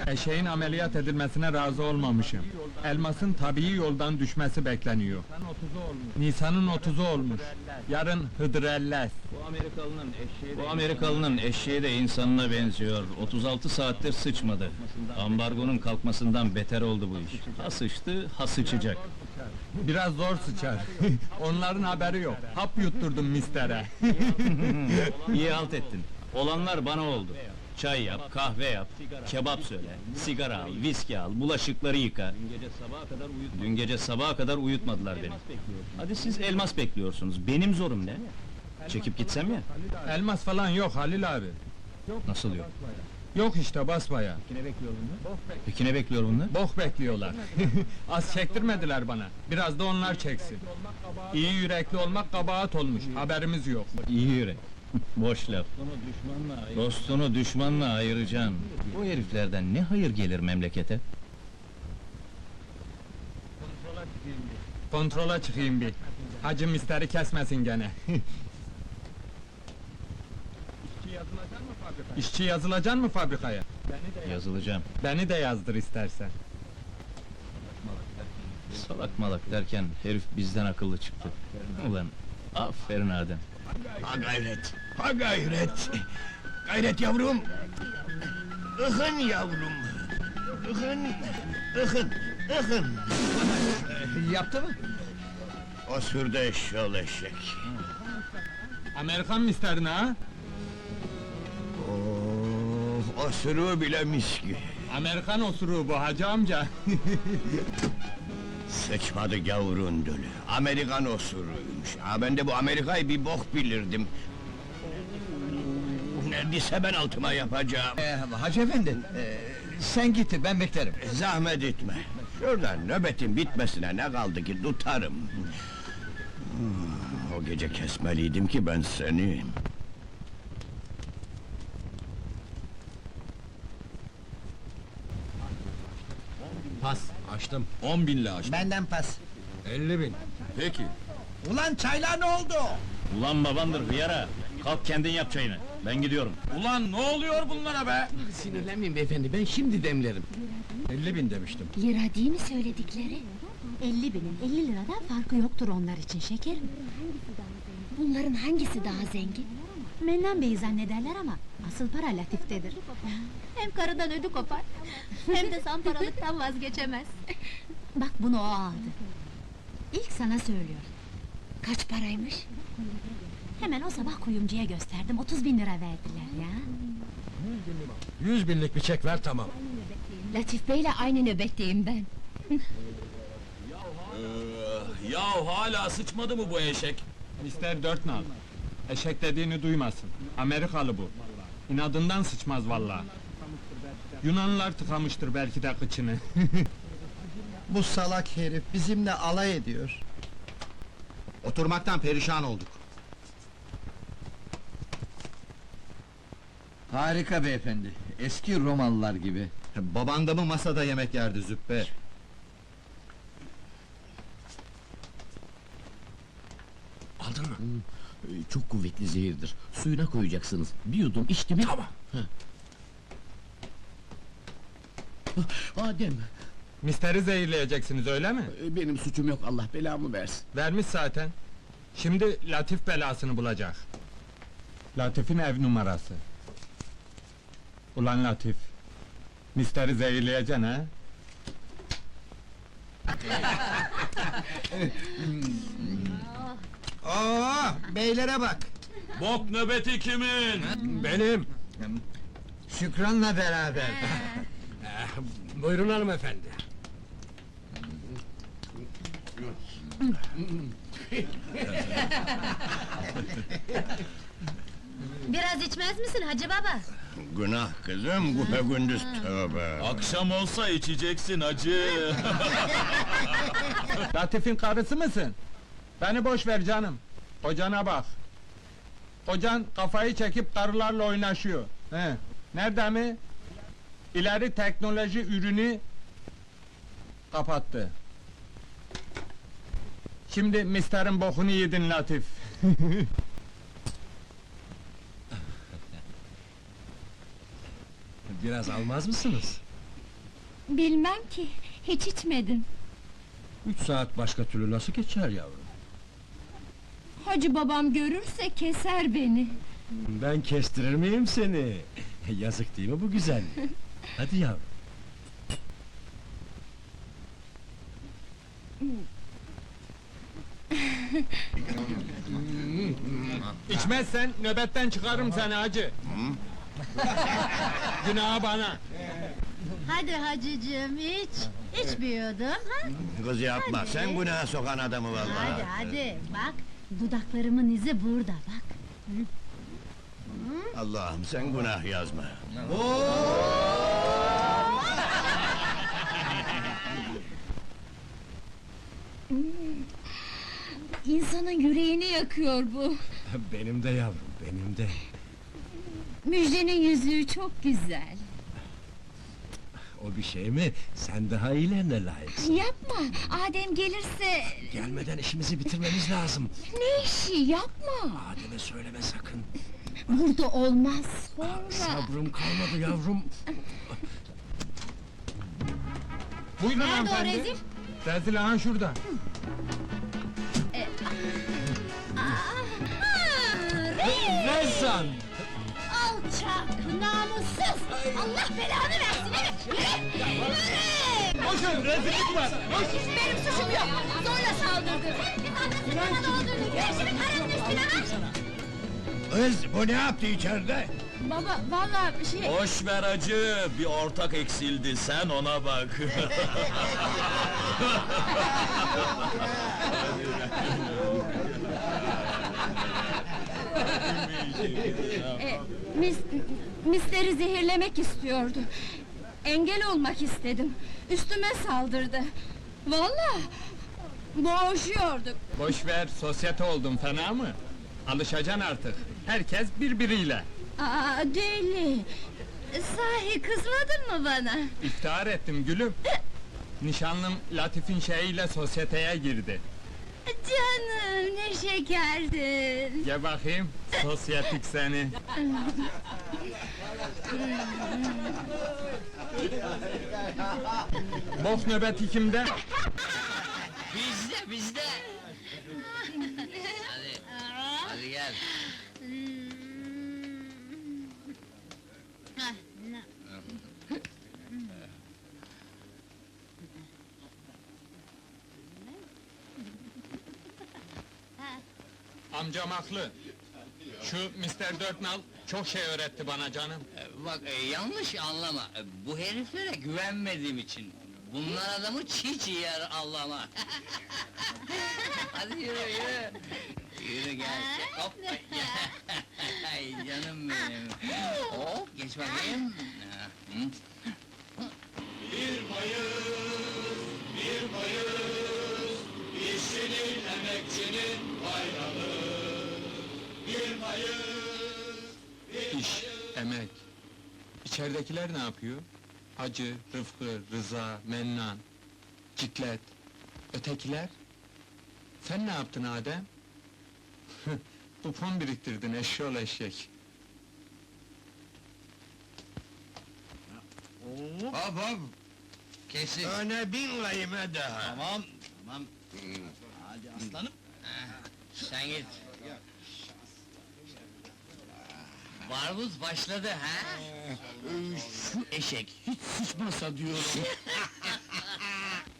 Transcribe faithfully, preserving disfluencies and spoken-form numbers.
Eşeğin ameliyat edilmesine razı olmamışım. Elmasın tabii yoldan düşmesi bekleniyor. Nisan'ın otuzu olmuş. Yarın Hıdrellez. Bu Amerikalının eşeği de... Bu Amerikalının eşeği de insanına benziyor. otuz altı saattir sıçmadı. Ambargonun kalkmasından beter oldu bu iş. Ha sıçtı, ha sıçacak. Biraz zor sıçar. Onların haberi yok. Hap yutturdum mistere. İyi halt ettin. Olanlar bana oldu. Çay yap, kahve yap, kebap söyle, sigara al, viski al, bulaşıkları yıka. Dün gece sabaha kadar uyutmadılar beni. Hadi siz elmas bekliyorsunuz, benim zorum ne? Çekip gitsem ya? Elmas falan yok Halil abi. Nasıl yok? Yok işte basbaya. Peki ne bekliyor bunlar? Bok bekliyorlar. Az çektirmediler bana. Biraz da onlar çeksin. İyi yürekli olmak kabahat olmuş. Haberimiz yok. İyi yürek. Boş laf. Dostunu düşmanla ayıracaksın. Bu heriflerden ne hayır gelir memlekete? Kontrola çıkayım bir. Hacı misteri kesmesin gene. İşçi yazılacak mı fabrikaya? Yazılacağım. Beni de yazdır istersen. Salak malak derken herif bizden akıllı çıktı. Ulan aferin Adem. Ha gayret, ha gayret! Gayret yavrum! Ihın yavrum! Ihın, ıhın, ıhın! Yaptı mı? O sürdü eşşoğlu eşek! Amerikan misterini ha? Oh, o sürüğü bile miski! Amerikan osuruğu bu hacı amca. Sıçmadı gavurun dölü, Amerikan osuruymuş! Ha ben de bu Amerika'yı bir bok bilirdim! Neredeyse ben altıma yapacağım! Ee, Hacı efendi, ee, sen git, ben beklerim. Zahmet etme! Şuradan nöbetin bitmesine ne kaldı ki tutarım! Hmm, O gece kesmeliydim ki ben seni! Pas, açtım. On binle açtım. Benden pas. Elli bin. Peki. Ulan çaylar ne oldu? Ulan babandır hıyara! Kalk kendin yap çayını, ben gidiyorum. Ulan ne oluyor bunlara be? Sinirlenmeyin beyefendi, ben şimdi demlerim. Elli bin demiştim. Lira değil mi söyledikleri? Elli binin elli liradan farkı yoktur onlar için şekerim. Bunların hangisi daha zengin? Mennan Bey'i zannederler ama asıl para Latif'tedir. Hem karıdan ödü kopar, hem de samparalıktan vazgeçemez. Bak bunu o aldı. İlk sana söylüyorum. Kaç paraymış? Hemen o sabah kuyumcuya gösterdim, otuz bin lira verdiler ya. Yüz binlik bir çek ver tamam. Latif Bey'le aynı nöbetteyim ben. Ya hala sıçmadı mı bu eşek? Mister dört nal. Eşek dediğini duymasın. Amerikalı bu. İnadından sıçmaz vallahi. Yunanlılar tıkamıştır belki de kıçını. Bu salak herif bizimle alay ediyor. Oturmaktan perişan olduk. Harika beyefendi, eski Romalılar gibi. Baban da mı masada yemek yerdi züppe? Aldın mı? Çok kuvvetli zehirdir. Suyuna koyacaksınız. Bir yudum içti mi... Tamam. Adem, Misteri zehirleyeceksiniz öyle mi? benim suçum yok, Allah belamı versin. Vermiş zaten. Şimdi Latif belasını bulacak. Latif'in ev numarası. Ulan Latif, misteri zehirleyeceksin ha? Oo, beylere bak! Bok nöbeti kimin? Benim. Şükran'la beraber. Buyurun hanımefendi. Biraz içmez misin hacı baba? Günah kızım, bu gündüz tövbe! Akşam olsa içeceksin hacı. Latif'in karısı mısın? Beni boş ver canım. Kocana bak. Kocan kafayı çekip karılarla oynaşıyor. He. Nerede mi? İleri teknoloji ürünü kapattı. Şimdi misterin bokunu yedin Latif. Biraz almaz mısınız? Bilmem ki, hiç içmedim. Üç saat başka türlü nasıl geçer yavrum? Hacı babam görürse keser beni. Ben kestirir miyim seni? Yazık değil mi bu güzel? Hadi yavrum. İçmezsen nöbetten çıkarım seni hacı. Günahı bana. Hadi hacıcığım iç, içmiyordum ha? Kız yapma, Hadi. sen günaha sokan adamı vallahi. Hadi hadi, bak, dudaklarımın izi burada, bak. Allah'ım sen günah yazma. İnsanın yüreğini yakıyor bu. Benim de yavrum, benim de. Müjdenin yüzüğü çok güzel. O bir şey mi? Sen daha iyilerine layıksın. Yapma, Adem gelirse... Gelmeden işimizi bitirmemiz lazım. Ne işi, yapma! Adem'e söyleme sakın. Burada olmaz, sonra... Sabrım kalmadı yavrum. Buyurun Nerede o hanımefendi. rezil? Rezil aha şurada. Rezan! Alçak, namussuz! Allah belanı versin, evet! Yürü! Yürü! Koşun rezillik var. Benim suçum yok! Zorla saldırdı! Bir tanesini bana doldurdu! Güneşimi karının üstüne aç! Kız bu ne yaptı içeride? Baba, vallahi şey... Boş ver hacı, bir ortak eksildi, sen ona bak. E, mis, misleri zehirlemek istiyordu. Engel olmak istedim. Üstüme saldırdı. Vallahi boğuşuyorduk. Boş ver, sosyete oldun fena mı? Alışacaksın artık. Herkes birbiriyle. Aa, deli! Sahi kızmadın mı bana? İftihar ettim gülüm. Nişanlım Latif'in şeyiyle sosyeteye girdi. Canım, ne şekerdin! Gel bakayım, sosyetik seni. Bok nöbeti kimde? Bizde, bizde! Hadi, hadi gel. Amcam haklı. Şu mister Dörtnal çok şey öğretti bana canım. Bak, e, yanlış anlama. E, Bu heriflere güvenmediğim için. Bunlar adamı çiğ çiğ yer Allah'ıma. Hadi yürü, yürü! Yürü gel, hop! Ay canım benim! Hop, geç bakayım! Hı? İş, emek. İçeridekiler ne yapıyor? Hacı, Rıfkı, Rıza, Mennan, Ciklet. Ötekiler? Sen ne yaptın Adem? Kupon biriktirdin eşşoğlu eşek. Hop hop! Kesin! Öne bin layime daha! Tamam, tamam. Hadi aslanım. Sen git. Barbuz başladı ha? Şu eşek hiç sıçmasa diyorum.